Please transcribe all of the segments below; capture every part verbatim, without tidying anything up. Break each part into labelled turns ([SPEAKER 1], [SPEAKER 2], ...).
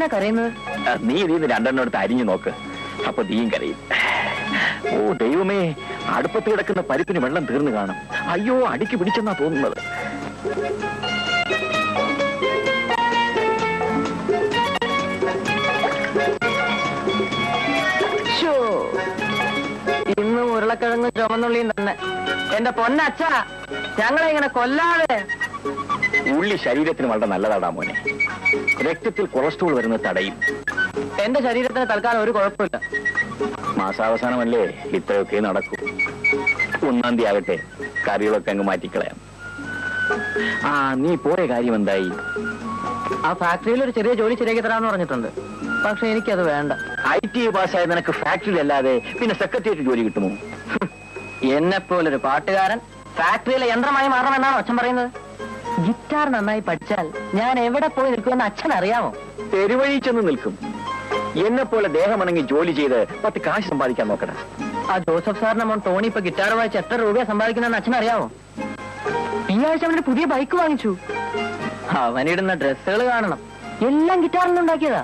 [SPEAKER 1] എന്തിനാ കരയുന്നത്?
[SPEAKER 2] നീ ഇതിന്ന് രണ്ടെണ്ണം എടുത്ത് അരിഞ്ഞു നോക്ക്, അപ്പൊ നീയും കരയും. ഓ ദൈവമേ, അടുപ്പത്ത് കിടക്കുന്ന പരിപ്പിന് വെള്ളം തീർന്നു കാണും. അയ്യോ, അടിക്ക് പിടിച്ചെന്നാ തോന്നുന്നത്.
[SPEAKER 1] ഇന്നും ഉരുളക്കിഴങ്ങും ചുമന്നുള്ളിയും തന്നെ. എന്റെ പൊന്നച്ഛ, ഞങ്ങളെ ഇങ്ങനെ കൊല്ലാതെ.
[SPEAKER 2] ഉള്ളി ശരീരത്തിന് വളരെ നല്ലതാടാ മോനെ. രക്തത്തിൽ കൊളസ്ട്രോൾ വരുന്നത് തടയും.
[SPEAKER 1] എന്റെ ശരീരത്തിന് തൽക്കാലം ഒരു കുഴപ്പമില്ല.
[SPEAKER 2] മാസാവസാനമല്ലേ ഇത്രയൊക്കെ നടക്കൂ. ഒന്നാം തീയതി ആകട്ടെ, കറികളൊക്കെ അങ്ങ് മാറ്റിക്കളയാം. ആ, നീ പോയ കാര്യം എന്തായി?
[SPEAKER 1] ആ ഫാക്ടറിയിൽ ഒരു ചെറിയ ജോലി ശരിയാക്കി തരാമെന്ന് പറഞ്ഞിട്ടുണ്ട്. പക്ഷെ എനിക്കത് വേണ്ട.
[SPEAKER 2] ഐ ടി പാസ്സായ നിനക്ക് ഫാക്ടറിയിൽ അല്ലാതെ പിന്നെ സെക്രട്ടേറിയറ്റ് ജോലി കിട്ടുമോ?
[SPEAKER 1] എന്നെ പോലൊരു പാട്ടുകാരൻ ഫാക്ടറിയിലെ യന്ത്രമായി മാറണമെന്നാണ് അച്ഛൻ പറയുന്നത്. ഗിറ്റാർ നന്നായി പഠിച്ചാൽ ഞാൻ എവിടെ പോയി നിൽക്കുമെന്ന് അച്ഛൻ അറിയാമോ?
[SPEAKER 2] തെരുവഴി ചെന്ന് നിൽക്കും. എന്നെ പോലെ ദേഹമണങ്ങി ജോലി ചെയ്ത് പത്ത് കാശ് സമ്പാദിക്കാൻ നോക്കണം.
[SPEAKER 1] ആ ജോസഫ് സാറിന്റെ മോൻ ടോണി ഇപ്പൊ ഗിറ്റാർ വായിച്ച് എത്ര രൂപയാണ് സമ്പാദിക്കുന്നതെന്ന് അച്ഛൻ അറിയാമോ? ഈ ആഴ്ച അവനൊരു പുതിയ ബൈക്ക് വാങ്ങിച്ചു. അവനിടുന്ന ഡ്രസ്സുകൾ കാണണം, എല്ലാം ഗിറ്റാറിൽ നിന്നുണ്ടാക്കിയതാ.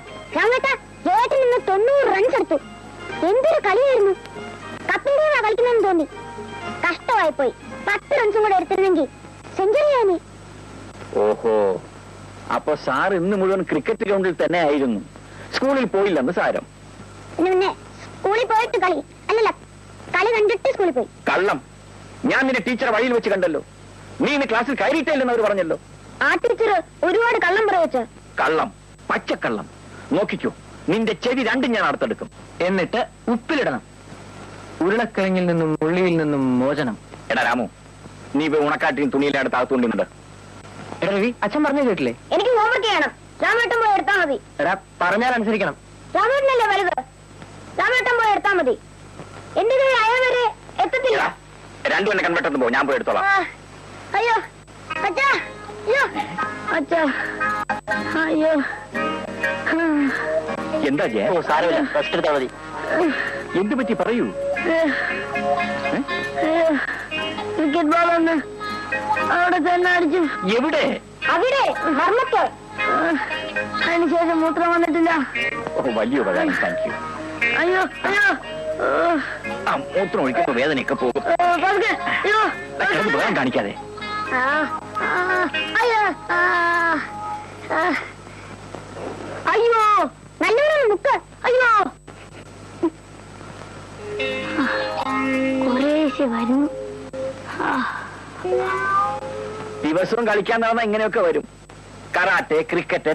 [SPEAKER 3] തൊണ്ണൂറ് റൺസ് എടുത്തു. എന്തൊരു കളിയായിരുന്നു. കപ്പിന്റെയാ കളിക്കുന്നെന്ന് തോന്നി. കഷ്ടമായി പോയി. പത്ത് റൺസും കൂടെ എടുത്തിരുന്നെങ്കിൽ സെഞ്ചുറിയാനി.
[SPEAKER 2] ഓഹോ, അപ്പൊ സാർ ഇന്ന് മുഴുവൻ ക്രിക്കറ്റ് ഗ്രൗണ്ടിൽ തന്നെ ആയിരുന്നു, സ്കൂളിൽ പോയില്ലെന്ന് സാരം.
[SPEAKER 3] പിന്നെ സ്കൂളിൽ പോയിട്ട് കളി അല്ലല്ല, കളി കണ്ടിട്ട് സ്കൂളിൽ പോയി.
[SPEAKER 2] കള്ളം. ഞാൻ നിന്റെ ടീച്ചറെ വഴിയിൽ വെച്ച് കണ്ടല്ലോ. നീ ഇന്ന് ക്ലാസ്സിൽ കയറിയിട്ടില്ലെന്ന് അവർ പറഞ്ഞല്ലോ.
[SPEAKER 3] ആ ടീച്ചർ ഒരുപാട് കള്ളം പറയച്ച.
[SPEAKER 2] കള്ളം, പച്ചക്കള്ളം. നോക്കിക്കോ, നിന്റെ ചെവി രണ്ടും ഞാൻ അടുത്തെടുക്കും.
[SPEAKER 1] എന്നിട്ട് ഉപ്പിലിടണം. ഉരുളക്കിഴങ്ങിൽ നിന്നും ഉള്ളിയിൽ നിന്നും മോചനം.
[SPEAKER 2] എടാ രാമു, നീ ഇപ്പൊ ഉണക്കാട്ടിയും തുണിയിലെ അടുത്ത് അകത്തുകൊണ്ടിരുന്നുണ്ട്.
[SPEAKER 1] എടാ രവി, അച്ഛൻ പറഞ്ഞു കേട്ടില്ലേ?
[SPEAKER 3] എനിക്ക് ഹോംവർക്ക് ചെയ്യണം. രാമേട്ടൻ പോയി എടുത്താൽ മതി.
[SPEAKER 1] എടാ, പറഞ്ഞാൽ അനുസരിക്കണം.
[SPEAKER 3] രാമേട്ടനല്ലേ വലുത്, രാമേട്ടൻ പോയി എടുത്താൽ മതി. എന്റെ കൈ അയവരെ എത്തത്തില്ല.
[SPEAKER 2] രണ്ടു എന്നെ കൺവെട്ടെന്ന് പോ, ഞാൻ പോയി എടുത്തോളാം.
[SPEAKER 3] അയ്യോ അച്ഛാ, അയ്യോ അച്ഛാ, അയ്യോ.
[SPEAKER 2] എന്താ ജയ? ഓ സാരമില്ല, റെസ്റ്റ് എടുത്താൽ മതി. എന്ത് പറ്റി പറയൂ.
[SPEAKER 3] ക്രിക്കറ്റ് ബോൾ ഒന്ന് അവിടെ തന്നെ അടിച്ചു.
[SPEAKER 2] എവിടെ?
[SPEAKER 3] അവിടെ മർമ്മത്ത്. അതിനുശേഷം മൂത്രം വന്നിട്ടില്ല.
[SPEAKER 2] ഓ, വലിയ ഉപകാരം, താങ്ക് യു.
[SPEAKER 3] അയ്യോ അയ്യോ,
[SPEAKER 2] ആ മൂത്രം ഒഴിക്കുമ്പോ വേദനയൊക്കെ പോകും. വേഗം കാണിക്കാതെ.
[SPEAKER 3] അയ്യോ അയ്യോ, നല്ലോണം മുക്ക്. അയ്യോ, കുറേശ്ശെ വരുന്നു.
[SPEAKER 2] ദിവസവും കളിക്കാൻ നടന്ന ഇങ്ങനെയൊക്കെ വരും. Karate, cricket.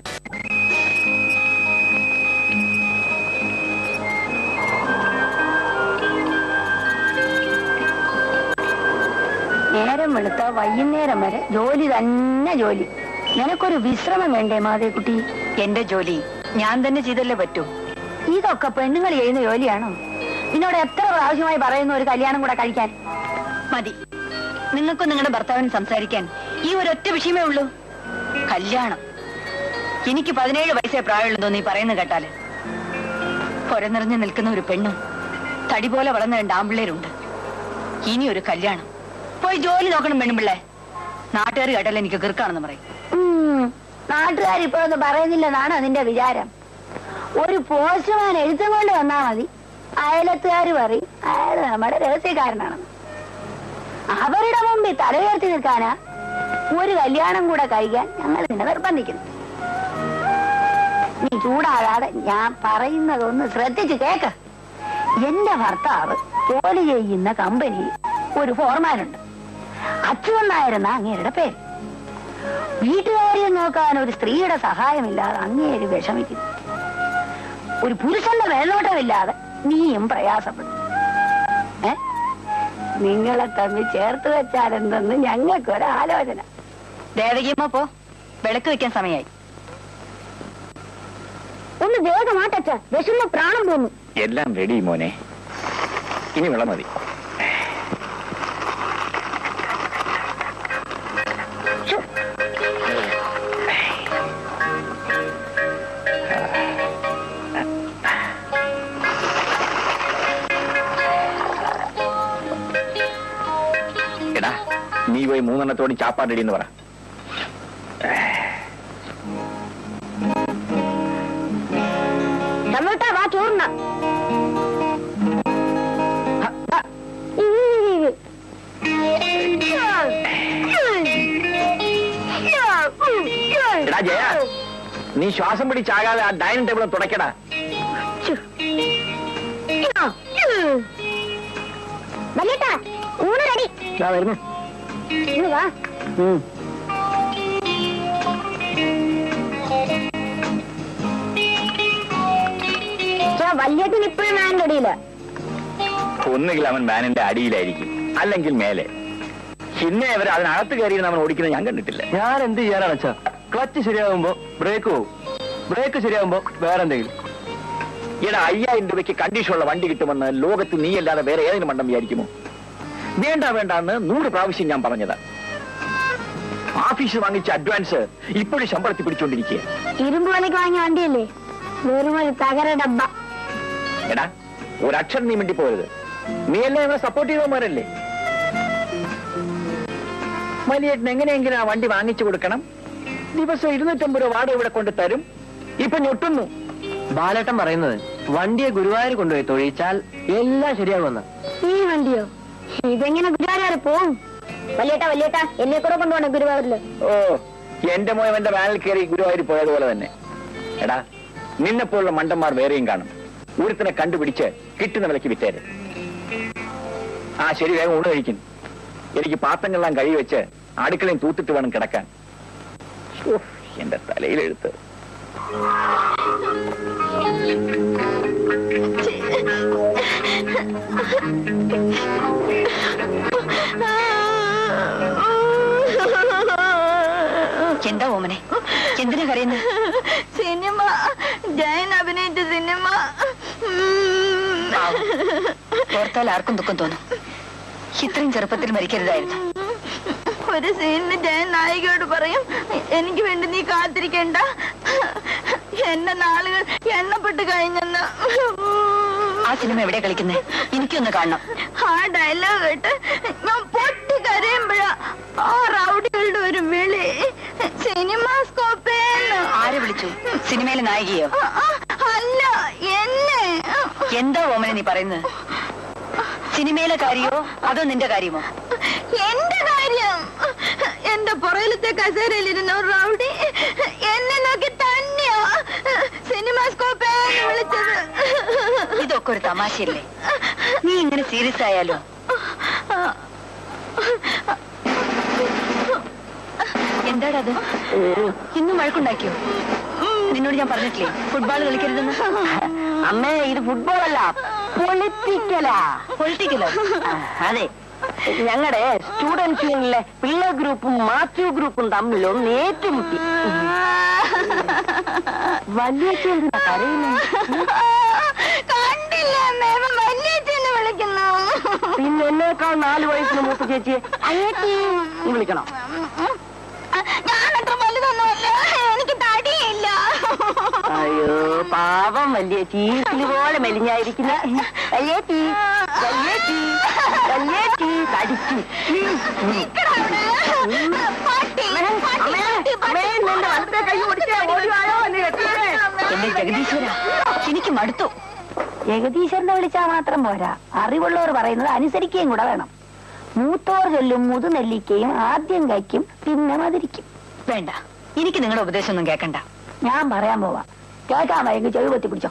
[SPEAKER 3] നേരം വെളുത്ത വൈകുന്നേരം വരെ ജോലി തന്നെ ജോലി. നിനക്കൊരു വിശ്രമം വേണ്ടേ മാതേക്കുട്ടി?
[SPEAKER 4] എന്റെ ജോലി ഞാൻ തന്നെ ചെയ്തല്ലേ പറ്റൂ.
[SPEAKER 3] ഇതൊക്കെ പെണ്ണുങ്ങൾ ചെയ്യുന്ന ജോലിയാണോ? നിന്നോട് എത്ര പ്രാവശ്യമായി പറയുന്നു ഒരു കല്യാണം കൂടെ കഴിക്കാൻ?
[SPEAKER 4] മതി. നിങ്ങൾക്കും നിങ്ങളുടെ ഭർത്താവിന് സംസാരിക്കാൻ ഈ ഒരൊറ്റ വിഷയമേ ഉള്ളൂ, കല്യാണം. എനിക്ക് പതിനേഴ് വയസ്സേ പ്രായമുള്ളൂ നീ പറയുന്നത് കേട്ടാല്. പൊരനിറഞ്ഞു നിൽക്കുന്ന ഒരു പെണ്ണും തടി പോലെ വളർന്ന രണ്ട് ആമ്പിള്ളേരുണ്ട്. ഇനി ഒരു കല്യാണം. പോയി ജോലി നോക്കണം പെണ്ണുമ്പിള്ളേ. നാട്ടുകാർ കേട്ടാൽ എനിക്ക് കിറുക്കാണെന്ന് പറയും.
[SPEAKER 3] നാട്ടുകാർ ഇപ്പോഴൊന്നും പറയുന്നില്ലെന്നാണ് അതിന്റെ വിചാരം. ഒരു പോസ്റ്റ്മാൻ എഴുത്തും കൊണ്ട് വന്നാ മതി, അയലത്തുകാർ പറയും അയാൾ നമ്മുടെ രഹസ്യക്കാരനാണെന്ന്. അവരുടെ മുമ്പിൽ തല ഉയർത്തി നിൽക്കാനാ ഒരു കല്യാണം കൂടെ കഴിക്കാൻ ഞങ്ങൾ നിന്നെ നിർബന്ധിക്കുന്നു. നീ ചൂടാകാതെ ഞാൻ പറയുന്നതൊന്ന് ശ്രദ്ധിച്ച് കേക്ക്. എന്റെ ഭർത്താവ് ജോലി ചെയ്യുന്ന കമ്പനിയിൽ ഒരു ഫോർമാനുണ്ട്. അച്യുതൻ നായരെന്ന അങ്ങേരുടെ പേര്. വീട്ടുകാരിയെ നോക്കാൻ ഒരു സ്ത്രീയുടെ സഹായമില്ലാതെ അങ്ങേര് വിഷമിക്കുന്നു. ഒരു പുരുഷന്റെ മേൽനോട്ടമില്ലാതെ നീയും പ്രയാസപ്പെടും. ഏ നിങ്ങളെ തമ്മിൽ ചേർത്ത് വെച്ചാൽ എന്തെന്ന് ഞങ്ങൾക്കൊരാലോചന.
[SPEAKER 4] ദേവകിയമ്മ പോ, വിളക്ക് വെക്കാൻ സമയമായി.
[SPEAKER 3] ഒന്ന് വേഗമാട്ടച്ച, വിഷമ പ്രാണം പോന്നു.
[SPEAKER 2] എല്ലാം റെഡി മോനെ, ഇനി വെള്ളം മതി. എടാ, നീ പോയി മൂന്നെണ്ണത്തോട് ചാപ്പാട് റെഡി എന്ന് പറ. ശ്വാസം പിടിച്ചാകാതെ ആ ഡൈനിങ് ടേബിൾ തുടക്കടാ.
[SPEAKER 3] ഊണ് റെഡി.
[SPEAKER 1] വരുന്നു.
[SPEAKER 3] വാ. വല്യേട്ടൻ ഇപ്പോഴും മാനിന്റെ അടിയില്ല.
[SPEAKER 2] ഒന്നുകിൽ അവൻ മാനിന്റെ അടിയിലായിരിക്കും, അല്ലെങ്കിൽ മേലെ. പിന്നെ അവർ അതിനകത്ത് കയറി അവൻ ഓടിക്കുന്നത് ഞാൻ കണ്ടിട്ടില്ല.
[SPEAKER 1] ഞാൻ എന്ത് ചെയ്യാനാണ് അച്ഛാ? ക്ലച്ച് ശരിയാകുമ്പോ ബ്രേക്ക് പോകും, ബ്രേക്ക് ശരിയാകുമ്പോ വേറെ എന്തെങ്കിലും.
[SPEAKER 2] ഈടാ, അയ്യായിരം രൂപയ്ക്ക് കണ്ടീഷനുള്ള വണ്ടി കിട്ടുമെന്ന് ലോകത്ത് നീയല്ലാതെ വേറെ ഏതെങ്കിലും മണ്ടം വിചാരിക്കുമോ? വേണ്ട വേണ്ടാന്ന് നൂറ് പ്രാവശ്യം ഞാൻ പറഞ്ഞതാ. ഓഫീസിൽ വാങ്ങിച്ച അഡ്വാൻസ് ഇപ്പോഴും ശമ്പളത്തിൽ പിടിച്ചോണ്ടിരിക്കുക.
[SPEAKER 3] ഇരുമ്പ് വിലക്ക് വാങ്ങിയ വണ്ടിയല്ലേ, വെറും ഒരു തകര ഡബ്ബ.
[SPEAKER 2] എടാ, ഒരക്ഷരം നീ മിണ്ടി പോരുത്. നീ എല്ലാം ഇവിടെ സപ്പോർട്ട് ചെയ്തവന്മാരല്ലേ? വലിയേട്ടൻ എങ്ങനെയെങ്കിലും ആ വണ്ടി വാങ്ങിച്ചു കൊടുക്കണം. ദിവസം ഇരുന്നൂറ്റമ്പത് രൂപ വാടക ഇവിടെ കൊണ്ട് തരും. ഇപ്പൊ ഞൊട്ടുന്നു.
[SPEAKER 1] ബാലേട്ടൻ പറയുന്നത് വണ്ടിയെ ഗുരുവായൂർ കൊണ്ടുപോയി തൊഴിച്ചാൽ എല്ലാം ശരിയാകുമെന്ന്.
[SPEAKER 3] ഈ വണ്ടിയോ? ഇതെങ്ങനെ ഗുരുവായൂർ പോവും? വല്യേട്ടാ വല്യേട്ടാ എന്നെ കൂടെ കൊണ്ടുപോകണം ഗുരുവായൂരില്.
[SPEAKER 2] ഓ, എന്റെ മോയം എന്റെ വാനിൽ കയറി ഗുരുവായൂർ പോയതുപോലെ തന്നെ. എടാ, നിന്നെപ്പോലുള്ള മണ്ടന്മാർ വേറെയും കാണും. ഒരുത്തിനെ കണ്ടുപിടിച്ച് കിട്ടുന്ന വിലക്ക് വിറ്റേര്. ആ ശരി, വേഗം ഊണ് കഴിക്കും. എനിക്ക് പാത്രങ്ങളെല്ലാം കഴുകി വെച്ച് അടുക്കളയും തൂത്തിട്ട് വേണം കിടക്കാൻ. എന്റെ തലയിലെടുത്ത്.
[SPEAKER 4] എന്താ ഓമനെ, എന്തിനാ കരയുന്നത്?
[SPEAKER 3] സിനിമ, ജയൻ അഭിനയിച്ച സിനിമ
[SPEAKER 4] ഓർത്താൽ ആർക്കും ദുഃഖം തോന്നും. ഇത്രയും ചെറുപ്പത്തിൽ മരിക്കരുതായിരുന്നു.
[SPEAKER 3] ഒരു സീനിന് ജയൻ നായികയോട് പറയും, എനിക്ക് വേണ്ടി നീ കാത്തിരിക്കണ്ട, എന്റെ നാളുകൾ എണ്ണപ്പെട്ട് കഴിഞ്ഞെന്ന്.
[SPEAKER 4] ആ സിനിമ എവിടെ കളിക്കുന്നേ? എനിക്കൊന്ന് കാണണം.
[SPEAKER 3] ആ ഡയലോഗ് കേട്ട് ഞാൻ പൊട്ടി കരയുമ്പോഴാ ആ റൗഡികളുടെ ഒരു വിളി, സിനിമാസ്കോപ്പേന്ന്.
[SPEAKER 4] ആരെ വിളിച്ചു? സിനിമയിലെ നായികയോ?
[SPEAKER 3] അല്ല, എന്നെ.
[SPEAKER 4] എന്താ ഓമനെ നീ പറയുന്നത്? സിനിമയിലെ കാര്യമോ അതോ നിന്റെ കാര്യമോ?
[SPEAKER 3] എന്റെ കാര്യം. എന്റെ പുറയിലത്തെ കസേരയിലിരുന്ന ഒരു റൗഡി എന്നെ നോക്കി തന്നെയാ സിനിമാസ്കോപ്പേന്ന് വിളിച്ചത്.
[SPEAKER 4] ഇതൊക്കെ ഒരു തമാശയല്ലേ? നീ ഇങ്ങനെ സീരിയസ് ആയാലോ? എന്താടത്? ഇന്നും വഴക്കുണ്ടാക്കിയോ? നിന്നോട് ഞാൻ പറഞ്ഞിട്ടില്ലേ ഫുട്ബോൾ കളിക്കരുതെന്ന്?
[SPEAKER 1] അമ്മേ, ഇത് ഫുട്ബോൾ അല്ല, പൊളിറ്റിക്കലാ.
[SPEAKER 4] പൊളിറ്റിക്കലോ?
[SPEAKER 1] അതെ, ഞങ്ങളുടെ സ്റ്റുഡൻസ് യൂണിയനിലെ പിള്ളേർ ഗ്രൂപ്പും മാത്യു ഗ്രൂപ്പും തമ്മിലും ഏറ്റുമുട്ടി. വലിയ പിന്നെ എന്നേക്കാൾ നാല് വയസ്സിന് മൂത്ത ചേച്ചിയെ അയ്യത്തി വിളിക്കണം.
[SPEAKER 3] ഞാനത്ര വലുതൊന്നുമല്ല, എനിക്ക് തടിയില്ല.
[SPEAKER 1] അയ്യോ പാവം വലിയ ചീസില് പോലെ മെലിഞ്ഞായിരിക്കുന്ന വല്യേച്ചി, വല്യേച്ചി, വല്യേച്ചി തടിച്ചു.
[SPEAKER 4] എന്റെ ജഗദീശ്വര, എനിക്ക് മടുത്തു.
[SPEAKER 3] ജഗദീശ്വരനെ വിളിച്ചാൽ മാത്രം പോരാ, അറിവുള്ളവർ പറയുന്നത് അനുസരിക്കുകയും കൂടെ വേണം. മൂത്തോർ ചൊല്ലും മുതുനെല്ലിക്കയും ആദ്യം കഴിക്കും പിന്നെ മതിരിക്കും.
[SPEAKER 4] വേണ്ട, എനിക്ക് നിങ്ങളുടെ ഉപദേശം ഒന്നും കേൾക്കണ്ട.
[SPEAKER 3] ഞാൻ പറയാൻ പോവാ, കേൾക്കാൻ വൈകി ചെവി പൊത്തി പിടിച്ചോ.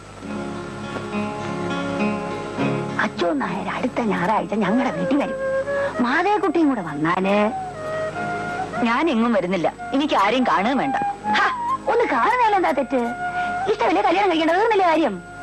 [SPEAKER 3] അച്ചോ നായർ അടുത്ത ഞായറാഴ്ച ഞങ്ങളുടെ വീട്ടിൽ വരും. മാതേക്കുട്ടിയും കൂടെ വന്നാല്.
[SPEAKER 4] ഞാൻ എങ്ങും വരുന്നില്ല, എനിക്ക് ആരെയും കാണുകയും വേണ്ട.
[SPEAKER 3] ഒന്ന് കാണുന്നതിലെന്താ തെറ്റ്? ഇഷ്ടമല്ലേ കല്യാണം കഴിക്കേണ്ടത്? നല്ല കാര്യം.